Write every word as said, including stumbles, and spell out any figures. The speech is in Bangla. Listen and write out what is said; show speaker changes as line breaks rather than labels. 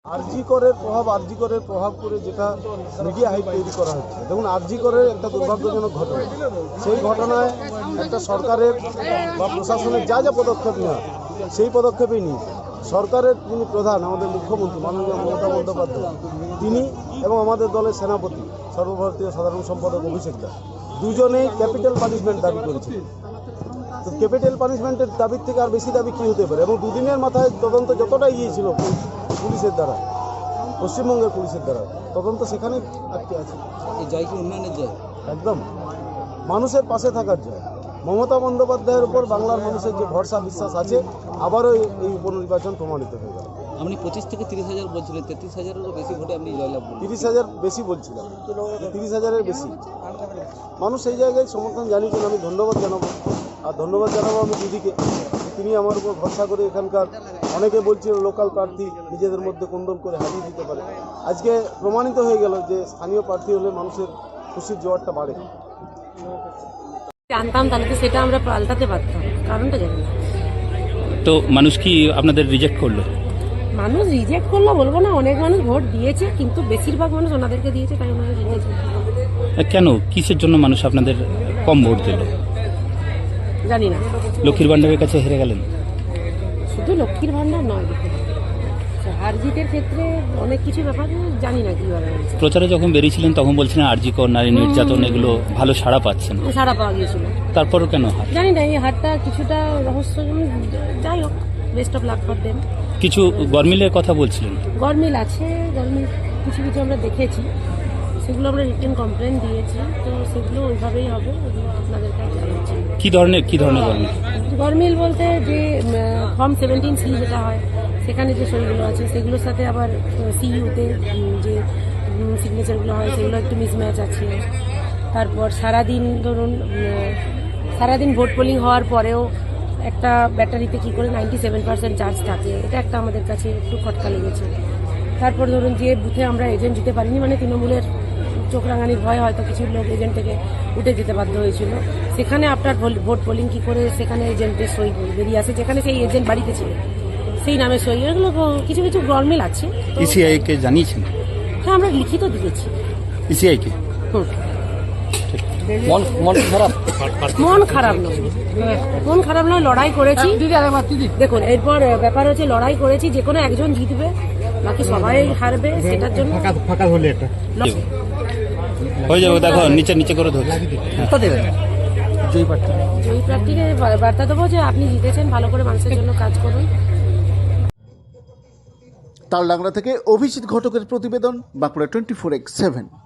আরজি করের প্রভাব আরজি করের প্রভাব করে যেটা মিডিয়া হাইপ তৈরি করা হচ্ছে। দেখুন, আরজি করের একটা দুর্ভাগ্যজনক ঘটনা। সেই ঘটনায় একটা সরকারের বা প্রশাসনের যা যা পদক্ষেপ নেওয়া সেই পদক্ষেপেই নিয়ে সরকারের যিনি প্রধান, আমাদের মুখ্যমন্ত্রী মাননীয় মমতা বন্দ্যোপাধ্যায়, তিনি এবং আমাদের দলের সেনাপতি সর্বভারতীয় সাধারণ সম্পাদক অভিষেক দা দুজনেই ক্যাপিটাল পানিশমেন্ট দাবি করেছিলেন। তো ক্যাপিটাল পানিশমেন্টের দাবির থেকে আর বেশি দাবি কী হতে পারে? এবং দুদিনের মাথায় তদন্ত যতটা গিয়েছিল পুলিশের দ্বারা, পশ্চিমবঙ্গের পুলিশের দ্বারা তদন্ত সেখানে আটকে আছে।
এই জয় কি উন্নয়নের জয়?
একদম মানুষের পাশে থাকার জয়। মমতা বন্দ্যোপাধ্যায়ের উপর বাংলার মানুষের যে ভরসা বিশ্বাস আছে, আবারও এই উপনির্বাচন প্রমাণিত হয়ে গেল।
আপনি পঁচিশ থেকে তিরিশ হাজার বলছিলেন, তেত্রিশ হাজারেরও বেশি ভোটে আপনি জয়লাভ করলেন।
তিরিশ হাজার বেশি বলছিলাম, তিরিশ হাজারের বেশি মানুষ এই জায়গায় সমর্থন জানিয়েছেন। আমি ধন্যবাদ জানাবো, আর ধন্যবাদ জানাবো আমি দিদিকে, তিনি আমার উপর ভরসা করে এখানকার অনেকে বলছিল লোকাল প্রার্থী নিজেদের মধ্যে কোন্দল করে হারিয়ে দিতে পারে। আজকে প্রমাণিত হয়ে গেল যে স্থানীয় প্রার্থী হলে মানুষের খুশির জোয়ারটা বাড়ে।
জানতাম তাহলে তো সেটা আমরা পাল্টাতে পারতাম, কারণটা জানি না।
তো মানুষ কি আপনাদের রিজেক্ট করলো?
মানুষ রিজেক্ট করলো বলবো না, অনেক মানুষ ভোট দিয়েছে, কিন্তু বেশিরভাগ মানুষ ওনাদেরকে দিয়েছে, তাই ওনারা জিতেছে।
কেন, কিসের জন্য মানুষ আপনাদের কম ভোট দিল?
জানি না।
লক্ষ্মীর ভান্ডারের কাছে হেরে গেলেন?
শুধু লক্ষ্মীর ভান্ডার নয়, হার জিতের ক্ষেত্রে অনেক কিছু ব্যাপার জানি না কিভাবে হয়েছে।
প্রচারে যখন বেরিয়েছিলেন তখন বলছিলেন আরজি কর, নারী নির্যাতন, এগুলো ভালো সাড়া পাচ্ছেন,
সাড়া পাওয়া গিয়েছিল।
তারপরও কেন হার?
জানি না, এই হারটা কিছুটা রহস্য। যাই হোক, best of luck for them.
কিছু গরমিলের কথা বলছিলেন।
গরমিল আছে, গরমিল কিছু কিছু আমরা দেখেছি, সেগুলো আমরা রিটেন কমপ্লেন দিয়েছি, তো সেগুলো ওইভাবেই হবে। আপনাদের কাছে জানাচ্ছি
কি ধরনের কি ধরনের গরমিল?
গরমিল বলতে যে ফর্ম সেভেন্টিন সি যেটা হয়, সেখানে যে সইগুলো আছে সেগুলোর সাথে আবার সিইউতে যে সিগনেচারগুলো হয় সেগুলো একটু মিসম্যাচ আছে। তারপর সারাদিন ধরুন সারাদিন ভোট পোলিং হওয়ার পরেও একটা ব্যাটারিতে কী করে নাইনটি সেভেন পার্সেন্ট চার্জ থাকে, এটা একটা আমাদের কাছে একটু খটকা লেগেছে। তারপর ধরুন যে বুথে আমরা এজেন্ট দিতে পারিনি, মানে তৃণমূলের চোখ রাঙানির ভয় হয়তো কিছু লোক এজেন্ট থেকে উঠে যেতে বাধ্য হয়েছিল, সেখানে আপনার ভোট পোলিং কী করে সেখানে এজেন্টের সই বেরিয়ে আসে, যেখানে সেই এজেন্ট বাড়িতে ছিল সেই নামে সই, এগুলো কিছু কিছু গরমিল আছে।
ইসিআই কে জানিয়েছেন?
হ্যাঁ, আমরা লিখিত দিয়েছি
ইসিআই কে।
হুম,
মন মন খারাপ?
মন খারাপ নয়, মন খারাপ নয়, লড়াই করেছি। দেখুন, এরপর ব্যাপার হচ্ছে লড়াই করেছি, যে কোনো একজন জিতবে, বাকি সবাই হারবে, সেটার জন্য
ফাঁকা হলে এটা
হয়ে যাবে। দেখো নিচে নিচে করে ধরছি।
জয় প্রার্থী
জয়ী প্রার্থীকে বার্তা দেবো যে আপনি জিতেছেন, ভালো করে মানুষের জন্য কাজ করুন।
তালডাংরা থেকে অভিজিৎ ঘটকের প্রতিবেদন, Bankura twenty four x seven.